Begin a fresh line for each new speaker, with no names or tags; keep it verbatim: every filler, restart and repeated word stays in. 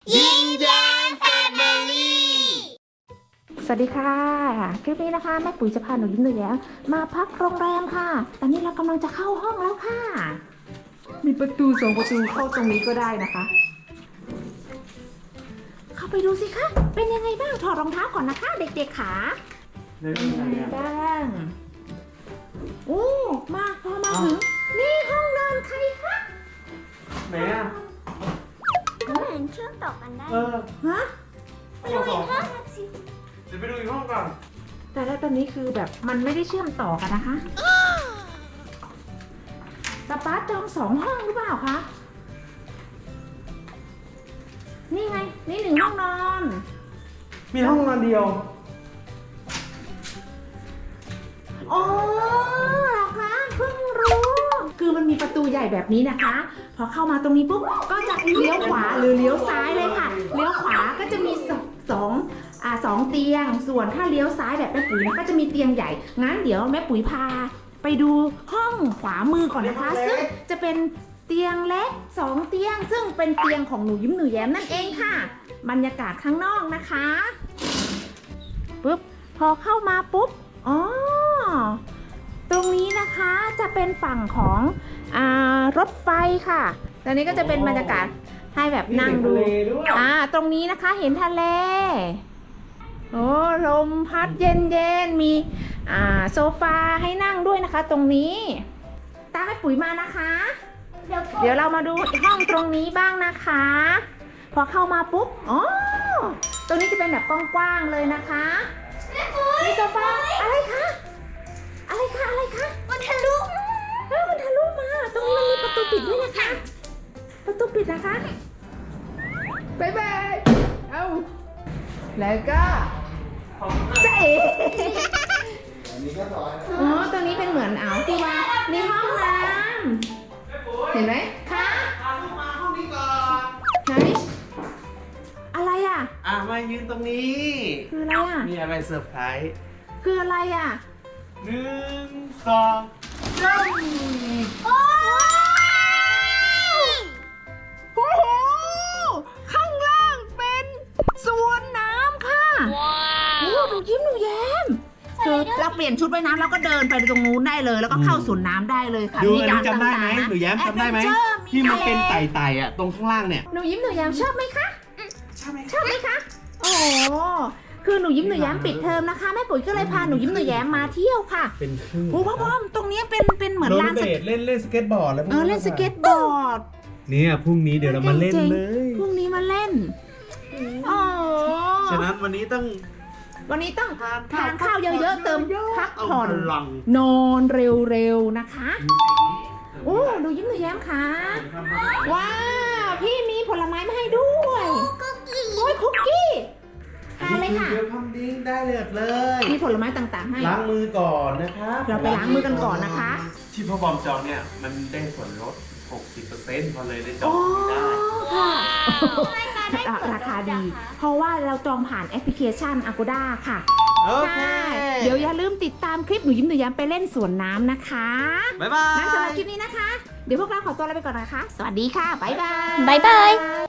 ยิ้มแย้มแฟมิลี่
สวัสดีค่ะคลิปนี้นะคะแม่ปุ๋ยจะพาหนูยิ้มหนูแย้มมาพักโรงแรมค่ะตอนนี้เรากำลังจะเข้าห้องแล้วค่ะมีประตูสองประตูเข้าตรงนี้ก็ได้นะคะเข้าไปดูสิคะเป็นยังไงบ้างถอดรองเท้าก่อนนะคะเด็กๆขาเป็นยังไงบ้างโอ้มาพอมาถึงนี่ห้องนอนใครคะ
ไหนอ่ะ
ก็เห็นเชื่อมต่อกันได้
เออ
ฮะ
ไปดูอีกห้องสิ
เดี๋ยวไปดูอีกห้องก่อน
แต่แล้วตอนนี้คือแบบมันไม่ได้เชื่อมต่อกันนะคะตาป๊าจองสองห้องหรือเปล่าคะนี่ไงนี่หนึ่งห้องนอน
มีห้องนอนเดียว
อ๋อเหรอคะเพิ่งรู้คือมันมีประตูใหญ่แบบนี้นะคะพอเข้ามาตรงนี้ปุ๊บก็จะเลี้ยวขวาหรือเลี้ยวซ้ายเลยค่ะเลี้ยวขวาก็จะมีสองสองอ่าสองเตียงส่วนถ้าเลี้ยวซ้ายแบบแม่ปุ๋ยนะก็จะมีเตียงใหญ่งั้นเดี๋ยวแม่ปุ๋ยพาไปดูห้องขวามือก่อนนะคะซึ่งจะเป็นเตียงเล็กสองเตียงซึ่งเป็นเตียงของหนูยิ้มหนูแย้มนั่นเองค่ะบรรยากาศข้างนอกนะคะปุ๊บพอเข้ามาปุ๊บอ๋อตรงนี้นะคะจะเป็นฝั่งของอ่ารถไฟค่ะตอนนี้ก็จะเป็นบรรยากาศให้แบบนั่งดูอ่าตรงนี้นะคะเห็นทะเลโอ้ลมพัดเย็นๆมีอ่าโซฟาให้นั่งด้วยนะคะตรงนี้ตามแม่ปุ๋ยมานะคะเดี๋ยวเดี๋ยวเรามาดูห้องตรงนี้บ้างนะคะพอเข้ามาปุ๊บอ๋อตรงนี้จะเป็นแบบกว้างๆเลยนะคะมีโซฟาอะไรคะอะไรคะอะไรคะมันทะลุเฮ้ยมันทะลุมาตรงนี้มันมีประตูปิดด้วยนะคะประตูปิดนะคะบายบายเอาแล้วก็เจ๊อ๋อตรงนี้เป็นเหมือนอ่าวที่ว่าในห้องน้ำเห็นไหมคะ
พาลูกมาห้องนี้ก่อน
ไหนอะไรอ่ะ
อ่ะมายืนตรงนี้
คืออะไรอ่ะ
มีอะไรเซอร์ไพรส์
คืออะไรอ่ะ
หนึ่งสองสาม
โอ้โหข้างล่างเป็นสวนน้ำค่ะว้าวโอ้หนูยิ้มหนูแย้มคือเราเปลี่ยนชุดว่ายน้ำแล้วก็เดินไปตรงนู้นได้เลย แล้วก็เข้าสวนน้ำได้เลยค่ะ
ดู
มี
อัน
ด่า
นี้
น
จำได้ไหม
ต่างๆนะ
หนูแย้มจำได้ไหม
Adventure
ที่มันเป็น
ทะ
ไต่ๆอ่ะตรงข้างล่างเนี่ย
หนูยิ้มหนูแย้มชอบไหมคะ
ใช่ไหม
ชอบไหมคะ โอ้โหคือหนูยิ้มหนูแย้มปิดเทอมนะคะแม่ปุ๋ยก็เลยพาหนูยิ้มหนูแย้มมาเที่ยวค่ะ
เป็นครึ่ง
โอ้พ่อพ่อตรงนี้เป็นเป็นเหมือน
โรล
ลาน
เบ
ส
ดเล่นเล่นสเก็ตบอร์ดแล้วพวก
เออเล่นสเก็ตบอร์ด
เนี่ยพรุ่งนี้เดี๋ยวเรามาเล่นเลย
พรุ่งนี้มาเล่นโอ้
ฉะนั้นวันนี้ต้อง
วันนี้ต้องทานข้าวเยอะๆเติมพักผ่อน
เาพลัง
นอนเร็วๆนะคะโอ้หนูยิ้มหนูแย้มค่ะว้าวพี่มีผลไม้มาให้ด้วยโอ้ยคุกกี้ทานเลยค่ะ
เดี๋ยวทำดิ้งได้เลยเลย
มีผลไม้ต่างๆให้
ล้างมือก่อนนะครับ
เราไปล้างมือกันก่อนนะคะ
ที่พ่อบอมจองเนี่ยมันได้ส่วนลด หกสิบเปอร์เซ็นต์ พอเลยได้จอ
โอ้
งได้
ค่ะราคาดี เพราะว่าเราจองผ่านแอปพลิเคชัน Agoda ค่ะ
โอเค
ใช่เดี๋ยวอย่าลืมติดตามคลิปหนูยิ้มหนูแย้มไปเล่นสวนน้ำนะคะ
บ๊ายบาย
งั้นสำหรับคลิปนี้นะคะ เดี๋ยวพวกเราขอตัวลาไปก่อนนะคะ สวัสดีค่ะ บ๊ายบาย
บ๊ายบาย